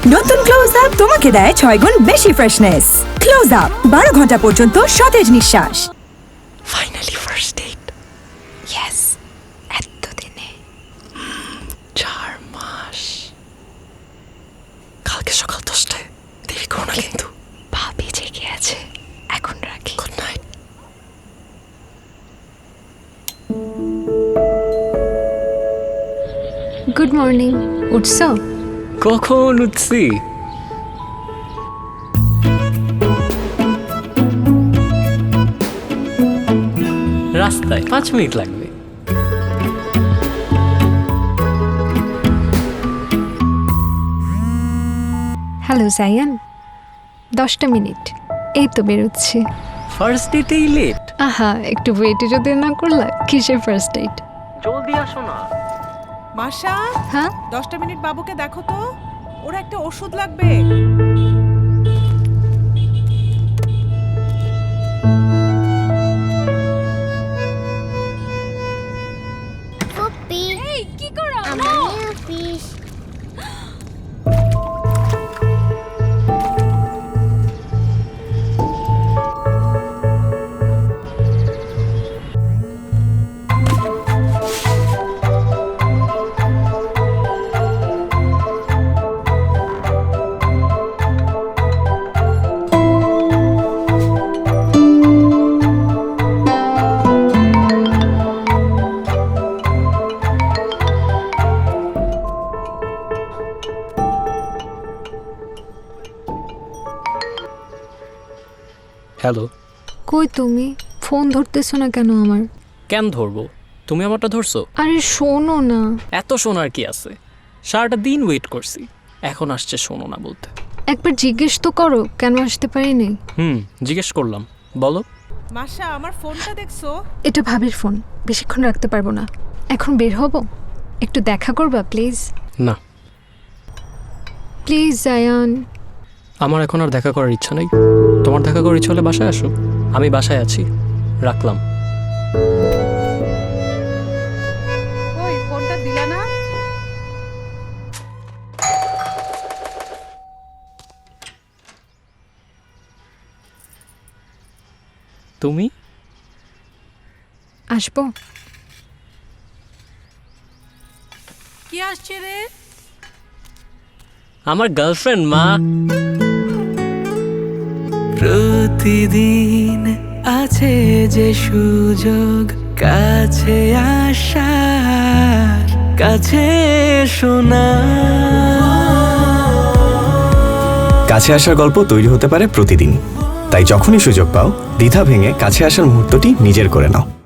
নতুন close up তোমাকে দেয় 6 গুণ বেশি ফ্রেশনেস। ক্লোজ আপ 12 ঘন্টা পর্যন্ত সতেজ নিঃশ্বাস। Finally first date. ইয়েস, এতদিনে 4 মাস। কালকে সকাল 10টায় দেরি করো না কিন্তু। ভাবি জেগে আছে, এখন রাখি। Good night. Good morning. উঠছো? কখন উঠছি? রাস্তায় 5 মিনিট লাগবে। হ্যালো জায়ান, 10টা মিনিট, এই তো বেরোচ্ছি। ফার্স্ট ডেটেই লেট? আহা, একটু ওয়েটে যদি না করলা, কিসের ফার্স্ট ডেট? জলদি আসো না। মাশা, হ্যাঁ 10টা মিনিট বাবুকে দেখো তো, ওর একটা ওষুধ লাগবে। পপি, এই কি করো? আমার অফিস। হ্যালো। কই তুমি? ফোন ধরতেছো না কেন আমার? কেন ধরবো? তুমি আমারটা ধরছো? আরে শোনো না। এত শোনার কি আছে? সারাটা দিন ওয়েট করছি, এখন আসছে শোনো না বলতে। একবার জিজ্ঞেস তো করো কেন আসতে পারিনি। জিজ্ঞেস করলাম, বলো। মাশা, আমার ফোনটা দেখছো? এটা ভাবির ফোন, বেশিক্ষণ রাখতে পারবো না। এখন বের হব, একটু দেখা করবা প্লিজ? না, প্লিজ জায়ান। আমার এখন আর দেখা করার ইচ্ছা নেই। তোমার দেখা করার ইচ্ছা হলে বাসায় আসো, আমি বাসায় আছি। রাখলাম। ওই ফোনটা দিলা না? তুমি? আসবো। কি আসছে রে? আমার গার্লফ্রেন্ড মা। প্রতিদিন আছে যে সুযোগ কাছে আসার, কাছে শোনা। কাছে আসার গল্প তৈরি হতে পারে প্রতিদিন, তাই যখনই সুযোগ পাও দ্বিধা ভেঙে কাছে আসার মুহূর্তটি নিজের করে নাও।